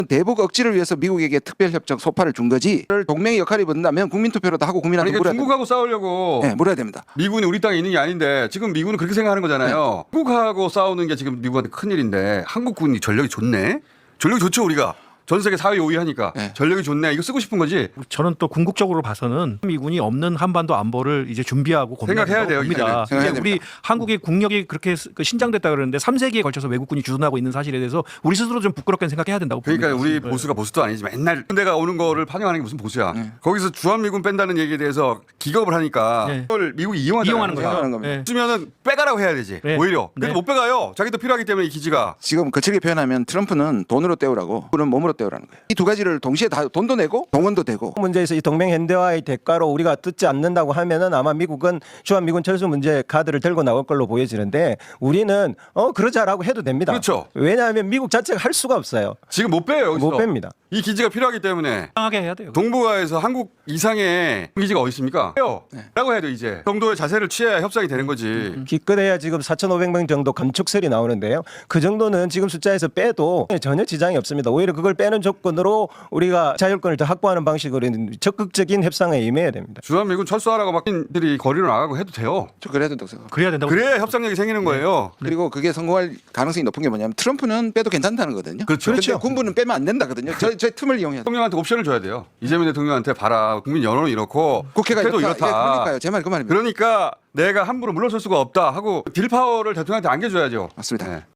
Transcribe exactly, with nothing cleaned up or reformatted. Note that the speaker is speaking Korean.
대북 억지를 위해서 미국에게 특별협정 소파를 준 거지. 그걸 동맹의 역할이 본다면 국민투표로도 하고 국민한테 아니, 그러니까 물어야 중국하고 싸우려고 됩니다. 네, 물어야 됩니다. 미군이 우리 땅에 있는 게 아닌데 지금 미군은 그렇게 생각하는 거잖아요. 네. 중국하고 싸우는 게 지금 미국한테 큰일인데 한국군이 전력이 좋네. 전력이 좋죠 우리가. 전 세계 사 위 오 위 하니까 네. 전력이 좋네. 이거 쓰고 싶은 거지. 저는 또 궁극적으로 봐서는 미군이 없는 한반도 안보를 이제 준비하고 생각해야 돼요, 겁니다. 이제는. 생각해야 이제 우리 됩니다. 한국의 국력이 그렇게 스- 그 신장됐다 그러는데 삼 세기에 걸쳐서 외국군이 주둔하고 있는 사실에 대해서 우리 스스로 좀 부끄럽게 생각해야 된다고 그러니까 봅니다. 우리 네. 보수가 보수도 아니지 맨날 군대가 오는 거를 판영하는 게 무슨 보수야. 네. 거기서 주한미군 뺀다는 얘기에 대해서 기겁을 하니까 네. 그걸 미국이 이용하잖아요. 이용하는 거죠. 이용하는 겁니다. 네. 쓰면은 빼가라고 해야 되지. 네. 오히려. 근데 네. 못 빼가요. 자기도 필요하기 때문에 이 기지가. 지금 거칠게 표현하면 트럼프는 돈으로 때우라고, 우리는 몸으로 때우라는 거예요. 이 두 가지를 동시에 다 돈도 내고 동원도 되고. 문제에서 이 동맹 현대화의 대가로 우리가 듣지 않는다고 하면은 아마 미국은 주한미군 철수 문제 카드를 들고 나올 걸로 보여지는데 우리는 어 그러자라고 해도 됩니다. 그렇죠. 왜냐하면 미국 자체가 할 수가 없어요. 지금 못 빼요. 여기서. 못 뺍니다. 이 기지가 필요하기 때문에. 당하게 해야 돼요. 동북아에서 한국 이상의 기지가 어디 있습니까? 해요. 네. 라고 해야 돼 이제. 정도의 자세를 취해야 협상이 되는 거지. 기껏해야 지금 사천오백 명 정도 감축설이 나오는데요. 그 정도는 지금 숫자에서 빼도 전혀 지장이 없습니다. 오히려 그걸 빼는 조건으로 우리가 자율권을 더 확보하는 방식으로 적극적인 협상에 임해야 됩니다. 주한미군 철수하라고 막들이 거리로 나가고 해도 돼요. 저 그래야 된다고 생각합니다. 그래야 된다고. 그래야 협상력이 생기는 거예요. 그리고 그게 성공할 가능성이 높은 게 뭐냐면 트럼프는 빼도 괜찮다는 거거든요. 그렇죠. 근데 그렇죠. 군부는 빼면 안 된다거든요. 저, 저 틈을 이용해야 돼요. 대통령한테 옵션을 줘야 돼요. 이재명 대통령한테 봐라. 국민 여론은 이렇고 국회가 국회도 이렇다. 이렇다. 예, 그러니까요. 제 말이 그 말입니다. 그러니까 내가 함부로 물러설 수가 없다 하고 딜파워를 대통령한테 안겨줘야죠. 맞습니다. 네.